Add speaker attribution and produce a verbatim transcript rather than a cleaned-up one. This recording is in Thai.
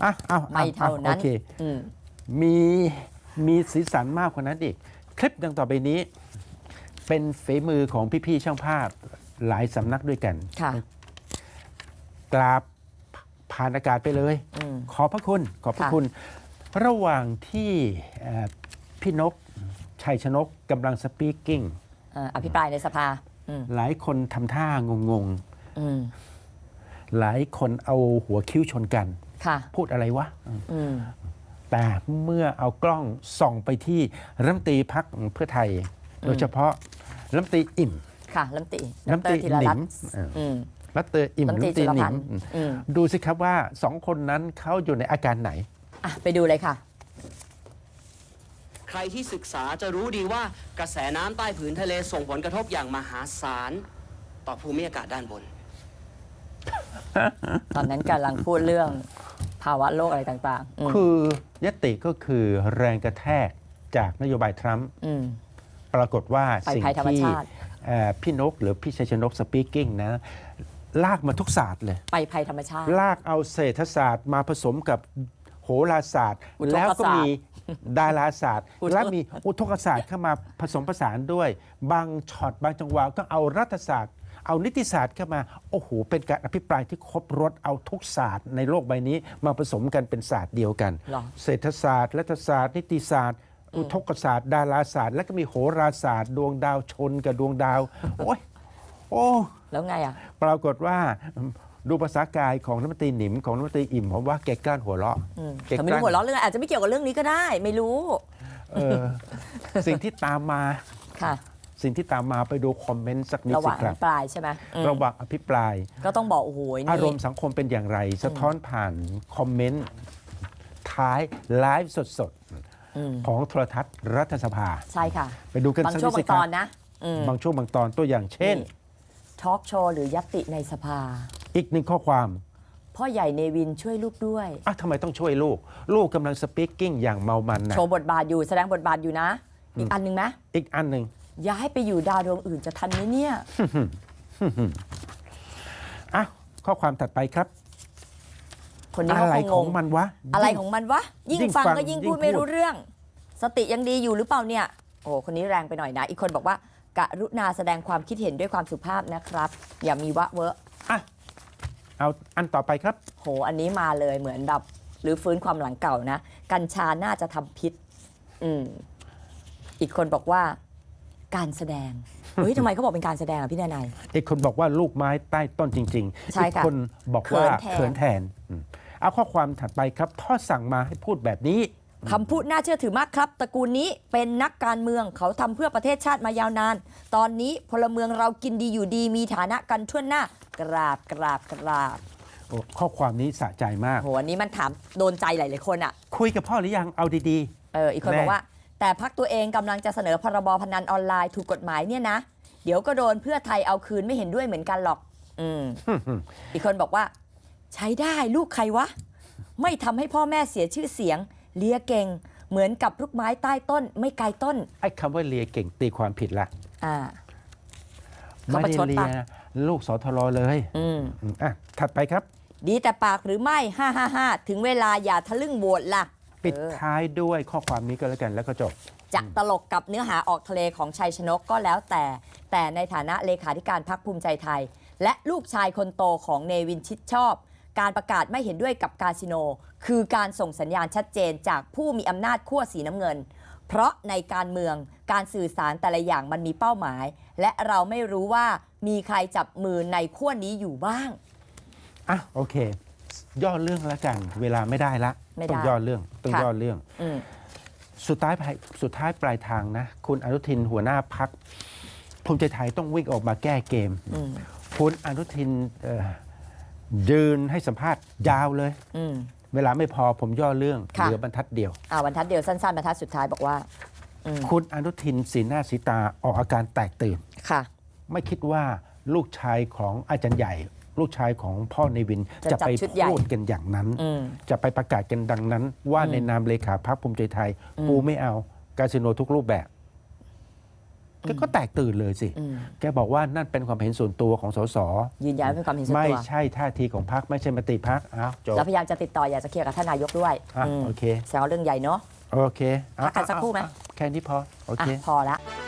Speaker 1: อ่ะเอา
Speaker 2: ไม่เท่านั้น
Speaker 1: โอเคมีมีสีสันมากกว่านั้นอีกคลิปดังต่อไปนี้ เป็นฝีมือของพี่ๆช่างภาพหลายสำนักด้วยกัน
Speaker 2: ค่ะ
Speaker 1: กราบผ่านอากาศไปเลย ขอบพระคุณขอบพระคุณ ระหว่างที่พี่นกชัยชนกกำลังสปีกกิ้ง
Speaker 2: อภิปรายในสภา
Speaker 1: หลายคนทำท่างงๆหลายคนเอาหัวคิ้วชนกันพูดอะไรวะแต่เมื่อเอากล้องส่องไปที่รัฐมนตรีพรรคเพื่อไทย โดยเฉพาะรัฐมนตรีอิ่ม
Speaker 2: ค่ะรัฐมนตรี
Speaker 1: รัฐมนตรีหนิมรัฐมนตรีอิ่มรัฐมนตรีหนิมดูสิครับว่าสองคนนั้นเขาอยู่ในอาการไหน
Speaker 2: ไปดูเลยค่ะ
Speaker 3: ใครที่ศึกษาจะรู้ดีว่ากระแสน้ำใต้ผืนทะเลส่งผลกระทบอย่างมหาศาลต่อภูมิอากาศด้านบน
Speaker 2: ตอนนั้นกำลังพูดเรื่องภาวะโลกอะไรต่าง
Speaker 1: ๆ คือยติก็คือแรงกระแทกจากนโยบายทรัมป์ปรากฏว่าสิ่งที่พี่นกหรือพี่ชัยชนกสปีกกิ้งนะลากมาทุกศาสตร์เลย
Speaker 2: ไปภัยธรรมชาติ
Speaker 1: ลากเอาเศรษฐศาสตร์มาผสมกับโหราศาสตร์แล้วก็มีดาราศาสตร์และมีอุทกศาสตร์เข้ามาผสมผสานด้วยบางช็อตบางจังหวะก็เอารัฐศาสตร์เอานิติศาสตร์เข้ามาโอ้โหเป็นการอภิปรายที่ครบรสเอาทุกศาสตร์ในโลกใบนี้มาผสมกันเป็นศาสตร์เดียวกันเศรษฐศาสตร์รัฐศาสตร์นิติศาสตร์อุทกศาสตร์ดาราศาสตร์และก็มีโหราศาสตร์ดวงดาวชนกับดวงดาวโอ้ยโอ้
Speaker 2: แล้วไงอ่ะ
Speaker 1: ปรากฏว่าดูภาษากายของรัฐมนตรีหนิมของรัฐมนตรีอิ่มผมว่าแกกล้านหัวเราะ
Speaker 2: แกไม่รู้หัวเราะเรื่องอาจจะไม่เกี่ยวกับเรื่องนี้ก็ได้ไม่รู้
Speaker 1: สิ่งที่ตามมา
Speaker 2: ค่ะ
Speaker 1: สิ่งที่ตามมาไปดูคอมเมนต์สักนิดสิครับ
Speaker 2: ระหว่างอภิปรายใช่ไหม
Speaker 1: ระหว่างอภิปราย
Speaker 2: ก็ต้องบอกโอ้โห
Speaker 1: อารมณ์สังคมเป็นอย่างไรสะท้อนผ่านคอมเมนต์ท้ายไลฟ์สดๆของโทรทัศน์รัฐสภา
Speaker 2: ใช่ค่ะ
Speaker 1: ไปดูกัน
Speaker 2: สักนิดสิครับบางช่วงบางตอนนะ
Speaker 1: บางช่วงบางตอนตัวอย่างเช่น
Speaker 2: ทอล์กโชว์หรือยัตติในสภา
Speaker 1: อีกหนึ่งข้อความ
Speaker 2: พ่อใหญ่เนวินช่วยลูกด้วย
Speaker 1: อ่ะทำไมต้องช่วยลูกลูกกำลังสปีกกิ้งอย่างเมามันนะ
Speaker 2: โชว์บทบาทอยู่แสดงบทบาทอยู่นะอีกอันหนึ่งไหม
Speaker 1: อีกอันหนึ่ง
Speaker 2: อย่าให้ไปอยู่ดาวดวงอื่นจะทันไหมเนี่ย
Speaker 1: อ่ะข้อความถัดไปครับ
Speaker 2: คนนี้
Speaker 1: อะไรของมันวะ
Speaker 2: อะไรของมันวะยิ่งฟังก็ยิ่งพูดไม่รู้เรื่องสติยังดีอยู่หรือเปล่าเนี่ยโอ้คนนี้แรงไปหน่อยนะอีกคนบอกว่ากรุณาแสดงความคิดเห็นด้วยความสุภาพนะครับอย่ามีวะเวอะ
Speaker 1: อ่ะเอาอันต่อไปครับ
Speaker 2: โหอันนี้มาเลยเหมือนแบบหรือฟื้นความหลังเก่านะกัญชาน่าจะทำพิษอืมอีกคนบอกว่าการแสดงเฮ้ยทำไมเขาบอกเป็นการแสดงอ่ะพี่นาย
Speaker 1: อีกคนบอกว่าลูกไม้ใต้ต้นจริงๆอีกคนบอกว่าเขินแทนเอาข้อความถัดไปครับพ่อสั่งมาให้พูดแบบนี้
Speaker 2: คำพูดน่าเชื่อถือมากครับตระกูลนี้เป็นนักการเมืองเขาทำเพื่อประเทศชาติมายาวนานตอนนี้พลเมืองเรากินดีอยู่ดีมีฐานะกันทั่วหน้ากราบกราบกราบ
Speaker 1: ข้อความนี้สะใจมาก
Speaker 2: โหอันนี้มันถามโดนใจหลายๆคนอ่ะ
Speaker 1: คุยกับพ่อหรือยังเอาดี
Speaker 2: ๆเอออีกคนบอกว่าแต่พรรคตัวเองกำลังจะเสนอพรบพนันออนไลน์ถูกกฎหมายเนี่ยนะเดี๋ยวก็โดนเพื่อไทยเอาคืนไม่เห็นด้วยเหมือนกันหรอกอืม อีกคนบอกว่าใช้ได้ลูกใครวะไม่ทำให้พ่อแม่เสียชื่อเสียงเลียเก่งเหมือนกับลูกไม้ใต้ต้นไม่ไกลต้น
Speaker 1: ไอ้คำว่าเลียเก่งตีความผิดละ
Speaker 2: อ่า
Speaker 1: ไม่ได้เลียลูกสทรเลย
Speaker 2: อืม
Speaker 1: อ่ะถัดไปครับ
Speaker 2: ดีแต่ปากหรือไม่ห้าห้าห้าถึงเวลาอย่าทะลึ่งโหวตล่ะ
Speaker 1: ปิดท้ายด้วยข้อความนี้ก็แล้วกันแล้วก็จบ
Speaker 2: จะตลกกับเนื้อหาออกทะเลของชัยชนกก็แล้วแต่แต่ในฐานะเลขาธิการพรรคภูมิใจไทยและลูกชายคนโตของเนวินชิดชอบการประกาศไม่เห็นด้วยกับคาสิโนคือการส่งสัญญาณชัดเจนจากผู้มีอำนาจขั้วสีน้ำเงินเพราะในการเมืองการสื่อสารแต่ละอย่างมันมีเป้าหมายและเราไม่รู้ว่ามีใครจับมือในขั้วนี้อยู่บ้าง
Speaker 1: อ่ะโอเคย่อเรื่องแล้วกันเวลาไม่ได้ละต้องย่อเรื่องต้องย่อเรื่องสุดท้ายสุดท้ายปลายทางนะคุณอนุทินหัวหน้าพรรคภูมิใจไทยต้องวิ่งออกมาแก้เกมคุณอนุทินยืนให้สัมภาษณ์ยาวเลยเวลาไม่พอผมย่อเรื่องเหลือบรรทัดเดียว
Speaker 2: อ่าบรรทัดเดียวสั้นๆบรรทัดสุดท้ายบอกว่า
Speaker 1: คุณอนุทินสีหน้าสีตาออกอาการแตกตื่น
Speaker 2: ค่ะ
Speaker 1: ไม่คิดว่าลูกชายของอาจารย์ใหญ่ลูกชายของพ่อเนวินจะไปพูดกันอย่างนั้นจะไปประกาศกันดังนั้นว่าในนามเลขาพรรคภูมิใจไทยกูไม่เอาคาสิโนทุกรูปแบบแกก็แตกตื่นเลยสิ
Speaker 2: อืม
Speaker 1: แกบอกว่านั่นเป็นความเห็นส่วนตัวของสส
Speaker 2: ยืนยันว่าเป็นความเห็นส่วน
Speaker 1: ไม่
Speaker 2: ตัว
Speaker 1: ใช่ท่าทีของพรรคไม่ใช่มติพรรคอ้าวจบ
Speaker 2: แล้วพยายามจะติดต่ออยากจะเคลียร์กับท่านนายกด้วย
Speaker 1: อ่ะ
Speaker 2: ม
Speaker 1: โอเค
Speaker 2: แสดงว่าเรื่องใหญ่เนาะ
Speaker 1: โอเค
Speaker 2: พักกันสักครู่ไหม
Speaker 1: แค่นี้พอโอ
Speaker 2: อ่ะ
Speaker 1: เค
Speaker 2: พอละ